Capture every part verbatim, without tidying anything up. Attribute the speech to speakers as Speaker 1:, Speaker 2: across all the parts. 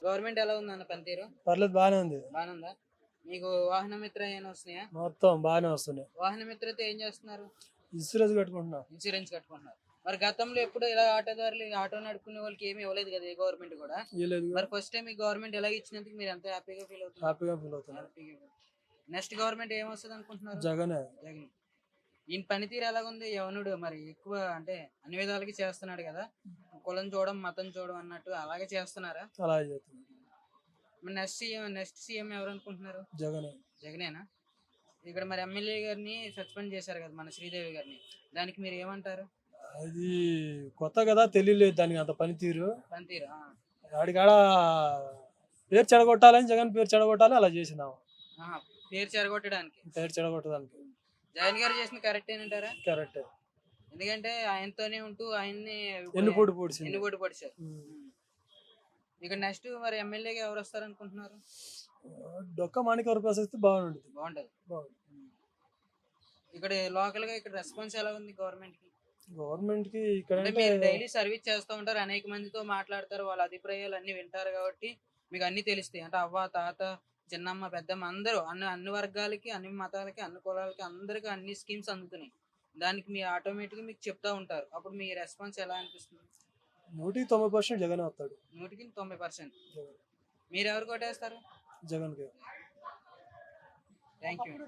Speaker 1: Government ఎలా ఉందన్న పనితీరు?
Speaker 2: పర్లేదు, బాగానే ఉంది.
Speaker 1: బాగానే ఉందా? మీకు వాహన మిత్ర ఏమైనా వస్తున్నాయా?
Speaker 2: మొత్తం బాగానే వస్తున్నాయి.
Speaker 1: వాహన మిత్రతో ఏం చేస్తున్నారు?
Speaker 2: ఇన్సూరెన్స్ కట్టుకుంటున్నా.
Speaker 1: ఇన్సూరెన్స్ కట్టుకుంటున్నారు. మరి గతంలో ఎప్పుడు ఇలా ఆటోదారులు ఆటో నడుపుకునే వాళ్ళకి ఏమి ఇవ్వలేదు కదా ఏ గవర్నమెంట్ కూడా. మరి ఫస్ట్ టైం ఈ గవర్నమెంట్ ఎలా ఇచ్చినందుకు మీరు ఎంత హ్యాపీగా ఫీల్ అవుతున్నారు?
Speaker 2: హ్యాపీగా ఫీల్ అవుతున్నారు.
Speaker 1: నెక్స్ట్ గవర్నమెంట్ ఏం వస్తుంది అనుకుంటున్నారు?
Speaker 2: జగనే.
Speaker 1: జగన్. ఈయన పనితీరు ఎలాగుంది? యవనుడు మరి ఎక్కువ అంటే అన్ని విధాలకి చేస్తున్నాడు కదా, కులం చూడడం మతం చూడడం అన్నట్టు అలాగే చేస్తున్నారా?
Speaker 2: అలాగే చేస్తున్నారు.
Speaker 1: మరి నెక్స్ట్ సీఎం నెక్స్ట్ సీఎం ఎవరు అనుకుంటున్నారు?
Speaker 2: జగనే.
Speaker 1: జగనేనా? ఇక్కడ మరి ఎమ్మెల్యే గారిని సస్పెండ్ చేశారు కదా మన శ్రీదేవి గారిని, దానికి మీరు ఏమంటారు?
Speaker 2: అది కొత్త కదా, తెలియలేదు దానికి అంత పనితీరు.
Speaker 1: పనితీరు
Speaker 2: వాడికాడ పేరు చెడగొట్టాలని, జగన్ పేరు చెడగొట్టాలి అలా చేసినాము.
Speaker 1: పేరు చెడగొట్టడానికి,
Speaker 2: పేరు చెడగొట్టడానికి
Speaker 1: జగన్ గారు చేసిన కరెక్ట్ ఏనంటారా?
Speaker 2: కరెక్ట్.
Speaker 1: ఎందుకంటే ఆయనతోనే ఉంటూ ఆయన్ని
Speaker 2: ఎన్నుపోటు పొడిచి
Speaker 1: ఎన్నుపోటు పొడిచారు. ఇక నెక్స్ట్ మరి ఎమ్మెల్యేగా ఎవరు వస్తారు అనుకుంటున్నారు?
Speaker 2: డొక్క మాణిక్య ప్రసక్తి బాగుంటుంది.
Speaker 1: బాగుంటది. ఇక్కడ లోకల్ గా ఇక్కడ రెస్పాన్స్ ఎలా ఉంది గవర్నమెంట్ కి? గవర్నమెంట్ కి ఇక్కడ మీరు డైలీ సర్వీస్ చేస్తూ ఉంటారు, అనేక మందితో మాట్లాడతారు, వాళ్ళ అభిప్రాయాలు అన్ని వింటారు కాబట్టి మీకు అన్ని తెలుస్తాయి. అంటే అవ్వ తాత చిన్నమ్మ పెద్దమ్మ అందరూ అన్ని అన్ని వర్గాలకి అన్ని మతాలకి అన్ని కులాలకి అందరికి అన్ని స్కీమ్స్ అందుతున్నాయి. దానికి మీ ఆటోమేటిక్ గా మీకు చెప్తా ఉంటారు. అప్పుడు మీ రెస్పాన్స్ ఎలా అనిపిస్తుంది?
Speaker 2: నూటికి తొంభై పర్సెంట్ జగన్ వస్తాడు.
Speaker 1: నూటికి తొంభై పర్సెంట్ మీరు ఎవరు కొట్టేస్తారు? జగన్ కి. Thank you.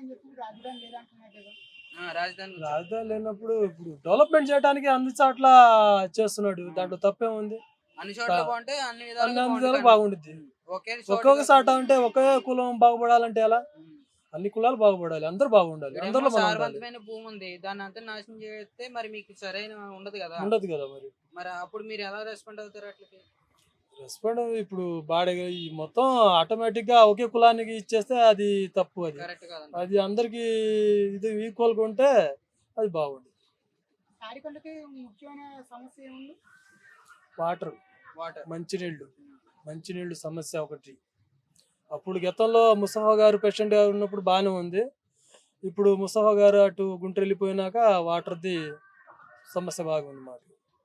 Speaker 1: రాజధాని
Speaker 2: రాజధాని లేనప్పుడు ఇప్పుడు డెవలప్మెంట్ చేయడానికి అన్ని చోట్ల చేస్తున్నాడు, దాంట్లో తప్పే ఉంది.
Speaker 1: అన్ని చోట్ల బాగుంటే అన్ని
Speaker 2: విధాలుగా బాగుంటుంది. ఒక్కొక్క చోట అంటే ఒకే కులం బాగుపడాలంటే ఎలా? అన్ని కులాలు బాగుపడాలి, అందరూ బాగుండాలి. అందరూ
Speaker 1: సారవంతమైన భూమి ఉంది, దాన్ని అంతా నాశనం చేస్తే మరి మీకు సరైన ఉండదు కదా.
Speaker 2: ఉండదు కదా. మరి
Speaker 1: మరి అప్పుడు మీరు ఎలా రెస్పాండ్ అవుతారు? అట్లకి
Speaker 2: రెస్పాండ్ ఇప్పుడు బాడీ మొత్తం ఆటోమేటిక్ గా ఒకే కులానికి ఇచ్చేస్తే అది తప్పు. అది అది అందరికి ఇది ఈక్వల్ గా ఉంటే అది బాగుంది.
Speaker 3: ముఖ్యమైన సమస్య ఏముంది?
Speaker 2: వాటర్
Speaker 1: వాటర్
Speaker 2: మంచినీళ్ళు మంచినీళ్ళు సమస్య ఒకటి. అప్పుడు గతంలో ముస్తఫా గారు ప్రెసిడెంట్ గారు ఉన్నప్పుడు బాగానే ఉంది. ఇప్పుడు ముస్తఫా గారు అటు గుంటూరు వెళ్ళిపోయినాక వాటర్ది సమస్య బాగుంది మాకు.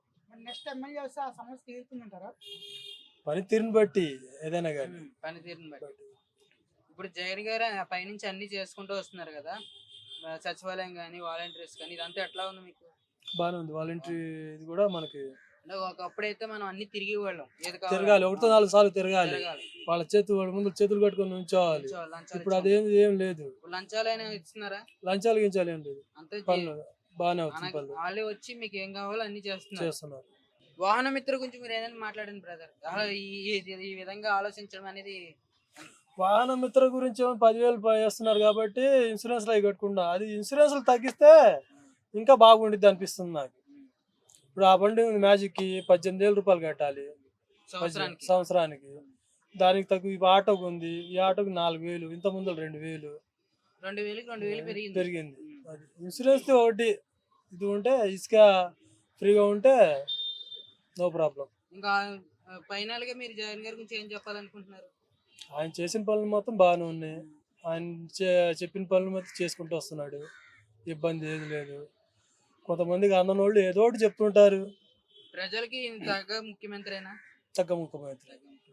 Speaker 2: పనితీరుని బట్టి ఏదైనా కానీ
Speaker 1: పనితీరుని బట్టి. ఇప్పుడు జగన్ గారు పైనుంచి అన్ని చేసుకుంటూ వస్తున్నారు కదా, సచివాలయం కానీ వాలంటీర్స్ కానీ ఇదంతా ఎట్లా ఉంది మీకు?
Speaker 2: బాగానే ఉంది. వాలంటీర్ ఇది కూడా మనకి
Speaker 1: ఒకప్పుడైతే మనం అన్ని తిరిగి వాళ్ళం,
Speaker 2: తిరగాలి, ఒకటితో నాలుగు సార్లు తిరగాలి, వాళ్ళ చేతులు వాళ్ళ ముందు చేతులు కట్టుకొని ఉంచోవాలి. ఇప్పుడు అదేం ఏం లేదు.
Speaker 1: లంచాలు ఇస్తున్నారా?
Speaker 2: లంచాలు గించాలు ఏం లేదు. పనులు బాగానే అవుతుంది.
Speaker 1: వాళ్ళే వచ్చి మీకు ఏం కావాలో అన్ని చేస్తున్నారు. వాహన మిత్ర గురించి మీరు ఏదైనా మాట్లాడండి బ్రదర్. ఈ విధంగా ఆలోచించడం అనేది.
Speaker 2: వాహన మిత్ర గురించి పదివేలు చేస్తున్నారు కాబట్టి ఇన్సూరెన్స్ అవి కట్టుకుంటా. అది ఇన్సూరెన్స్ తగ్గిస్తే ఇంకా బాగుండిద్ది అనిపిస్తుంది నాకు. ఇప్పుడు ఆ బండి మ్యాజిక్ కి పద్దెనిమిది వేల రూపాయలు కట్టాలి సంవత్సరానికి. దానికి తగ్గు ఈ ఆటోకు ఉంది, ఈ ఆటోకి నాలుగు వేలు, ఇంత ముందు రెండు వేలు
Speaker 1: రెండు వేలు రెండు వేలు
Speaker 2: పెరిగింది. అది ఇన్సూరెన్స్ ఒకటి ఇది ఉంటే ఇసుక ఫ్రీగా ఉంటే నో ప్రాబ్లం.
Speaker 1: ఇంకా ఫైనల్ గా మీరు జగన్ గారి గురించి ఏం చెప్పాలనుకుంటున్నారు?
Speaker 2: ఆయన చేసిన పనులు మొత్తం బాగానే ఉన్నాయి. ఆయన చెప్పిన పనులు మొత్తం చేసుకుంటూ వస్తున్నాడు, ఇబ్బంది ఏది లేదు. కొంతమందికి అందన వాళ్ళు ఏదో ఒకటి చెప్తుంటారు.
Speaker 1: ప్రజలకి తగ్గ ముఖ్యమంత్రినా?
Speaker 2: తగ్గ ముఖ్యమంత్రి.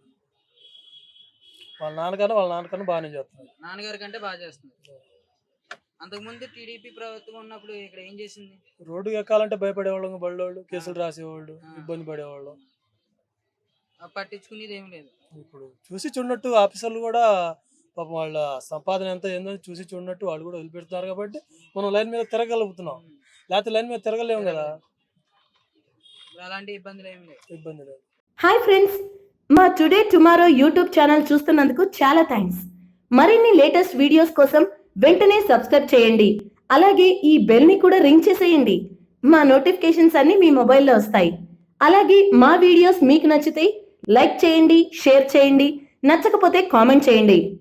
Speaker 2: వాళ్ళ నాన్నకన్నా వాళ్ళ నాన్నకన్నా బాగానే చేస్తున్నారు.
Speaker 1: నాన్నగారి కంటే బాగా చేస్తున్నారు. అంతకుముందు టీడీపీ ప్రభుత్వం ఉన్నప్పుడు ఇక్కడ ఏం చేసింది?
Speaker 2: రోడ్డు ఎక్కాలంటే భయపడేవాళ్ళు, బళ్ళోళ్ళు కేసులు రాసేవాళ్ళు, ఇబ్బంది పడేవాళ్ళు.
Speaker 1: పట్టించుకునేది ఏం లేదు.
Speaker 2: ఇప్పుడు చూసి చూడనట్టు ఆఫీసర్లు కూడా పాపం వాళ్ళ సంపాదన ఎంత ఏందని చూసి చూడనట్టు వాళ్ళు కూడా వదిలిపెడుతున్నారు కాబట్టి మనం లైన్ మీద తిరగలుగుతున్నాం. లేకపోతే లైన్ మీద తిరగలేము కదా.
Speaker 1: అలాంటి ఇబ్బందులు ఏమి లేవు.
Speaker 2: ఇబ్బంది లేదు.
Speaker 4: హాయ్ ఫ్రెండ్స్, మా టుడే టుమారో యూట్యూబ్ ఛానల్ చూస్తున్నందుకు చాలా థ్యాంక్స్. మరిన్ని లేటెస్ట్ వీడియోస్ కోసం వెంటనే సబ్స్క్రైబ్ చేయండి. అలాగే ఈ బెల్ ని కూడా రింగ్ చేసేయండి. మా నోటిఫికేషన్స్ అన్ని మీ మొబైల్లో వస్తాయి. అలాగే మా వీడియోస్ మీకు నచ్చితే లైక్ చేయండి, షేర్ చేయండి, నచ్చకపోతే కామెంట్ చేయండి.